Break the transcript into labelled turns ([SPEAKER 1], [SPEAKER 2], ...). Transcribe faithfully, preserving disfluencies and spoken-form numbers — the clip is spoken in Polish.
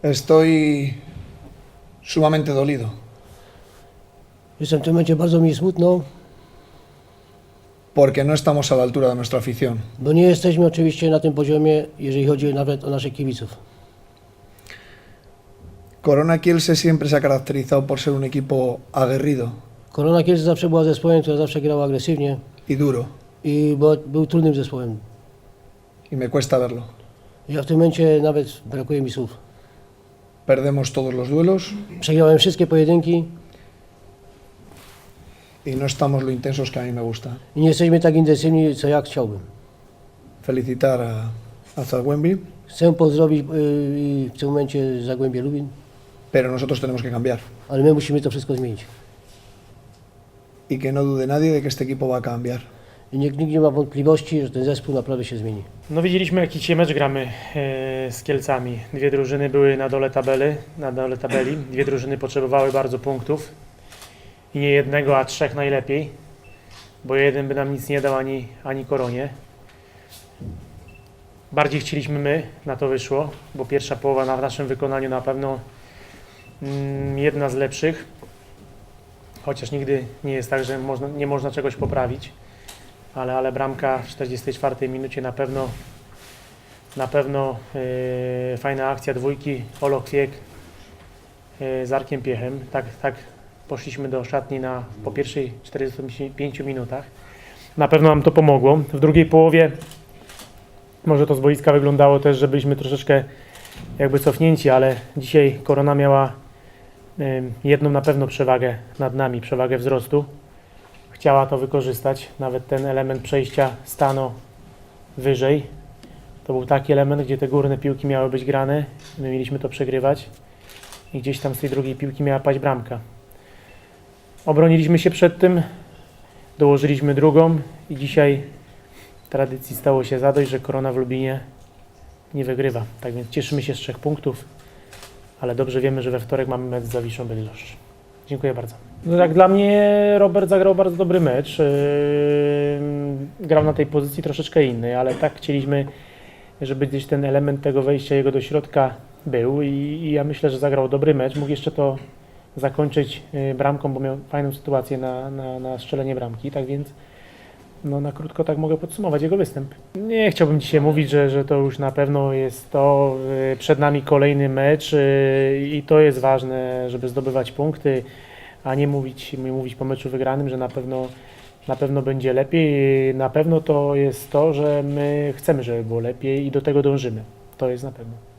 [SPEAKER 1] Estoy sumamente dolido,
[SPEAKER 2] Jestem w tym momencie bardzo mi smutno,
[SPEAKER 1] porque no estamos a la altura de nuestra afición.
[SPEAKER 2] bo nie jesteśmy oczywiście na tym poziomie, jeżeli chodzi nawet o naszych kibiców.
[SPEAKER 1] Corona Kielce siempre se ha caracterizado por ser un equipo aguerrido
[SPEAKER 2] Korona Kielce zawsze była zespołem, który zawsze grał agresywnie
[SPEAKER 1] y duro,
[SPEAKER 2] i bo, był trudnym zespołem.
[SPEAKER 1] y me cuesta verlo.
[SPEAKER 2] Ja w tym momencie nawet brakuje mi słów.
[SPEAKER 1] Perdemos todos los duelos
[SPEAKER 2] Przegrałem wszystkie pojedynki
[SPEAKER 1] y no estamos lo intensos que a mí me gusta.
[SPEAKER 2] i nie jesteśmy tak intensywni, co ja chciałbym.
[SPEAKER 1] Felicitar a, a Zagłębi,
[SPEAKER 2] Chcę pozdrowić yy, i w tym momencie Zagłębie Lubin,
[SPEAKER 1] pero nosotros tenemos que cambiar.
[SPEAKER 2] ale my musimy to wszystko zmienić.
[SPEAKER 1] Y que no dude nadie de que este equipo va a cambiar.
[SPEAKER 2] I nikt, nikt nie ma wątpliwości, że ten zespół naprawdę się zmieni.
[SPEAKER 3] No widzieliśmy, jaki dzisiaj mecz gramy e, z Kielcami. Dwie drużyny były na dole tabeli, na dole tabeli. Dwie drużyny potrzebowały bardzo punktów. I nie jednego, a trzech najlepiej. Bo jeden by nam nic nie dał, ani, ani Koronie. Bardziej chcieliśmy my, na to wyszło, bo pierwsza połowa na, w naszym wykonaniu na pewno mm, jedna z lepszych. Chociaż nigdy nie jest tak, że można, nie można czegoś poprawić. Ale, ale bramka w czterdziestej czwartej minucie na pewno na pewno yy, fajna akcja dwójki, Olo Kwiek yy, z Arkiem Piechem. Tak, tak poszliśmy do szatni na, po pierwszej czterdziestu pięciu minutach. Na pewno nam to pomogło. W drugiej połowie może to z boiska wyglądało też, że byliśmy troszeczkę jakby cofnięci, ale dzisiaj Korona miała yy, jedną na pewno przewagę nad nami, przewagę wzrostu. Chciała to wykorzystać, nawet ten element przejścia stano wyżej. To był taki element, gdzie te górne piłki miały być grane, my mieliśmy to przegrywać i gdzieś tam z tej drugiej piłki miała paść bramka. Obroniliśmy się przed tym, dołożyliśmy drugą i dzisiaj tradycji stało się zadość, że Korona w Lubinie nie wygrywa. Tak więc cieszymy się z trzech punktów, ale dobrze wiemy, że we wtorek mamy mecz z Zawiszą Bydgoszcz. Dziękuję bardzo. No tak, dla mnie Robert zagrał bardzo dobry mecz. Yy, grał na tej pozycji troszeczkę innej, ale tak chcieliśmy, żeby gdzieś ten element tego wejścia jego do środka był i, i ja myślę, że zagrał dobry mecz. Mógł jeszcze to zakończyć yy, bramką, bo miał fajną sytuację na, na, na strzelenie bramki, tak więc no, na krótko tak mogę podsumować jego występ. Nie chciałbym dzisiaj mówić, że, że to już na pewno jest to, yy, przed nami kolejny mecz yy, i to jest ważne, żeby zdobywać punkty, a nie mówić, nie mówić po meczu wygranym, że na pewno, na pewno będzie lepiej. Na pewno to jest to, że my chcemy, żeby było lepiej i do tego dążymy. To jest na pewno.